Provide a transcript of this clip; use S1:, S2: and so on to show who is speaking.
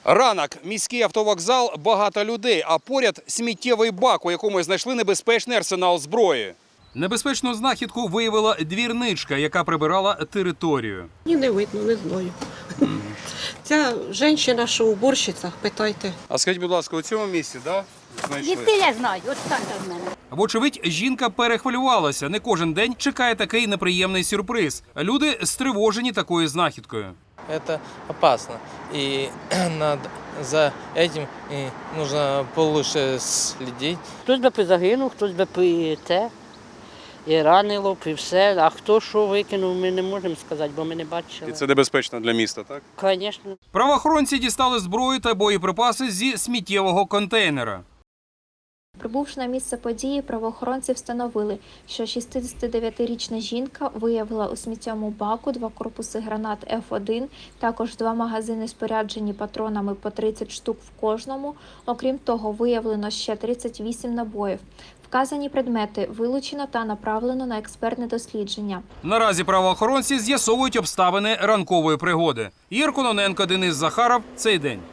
S1: Ранок. Міський автовокзал, багато людей, а поряд сміттєвий бак, у якому знайшли небезпечний арсенал зброї. Небезпечну знахідку виявила двірничка, яка прибирала територію.
S2: Ні, не видно, не знаю. Ця жінка, що уборщиця, питайте.
S1: А скажіть, будь ласка, у цьому місці, да, знайшли?
S3: Їсти я знаю, от так в мене.
S1: Вочевидь, жінка перехвилювалася. Не кожен день чекає такий неприємний сюрприз. Люди стривожені такою знахідкою.
S4: Это опасно. И за этим нужно получше следить.
S5: Хтось би позагинув, хтось би і ранило, і все. А хто що викинув, ми не можемо сказати, бо ми не бачили.
S1: І це небезпечно для міста, так?
S5: Звісно.
S1: Правоохоронці дістали зброю та боєприпаси зі сміттєвого контейнера.
S6: Прибувши на місце події, правоохоронці встановили, що 69-річна жінка виявила у сміттєвому баку 2 корпуси гранат F1, також 2 магазини споряджені патронами по 30 штук в кожному. Окрім того, виявлено ще 38 набоїв. Вказані предмети вилучено та направлено на експертне дослідження.
S1: Наразі правоохоронці з'ясовують обставини ранкової пригоди. Ігор Кононенко, Денис Захаров. Цей день.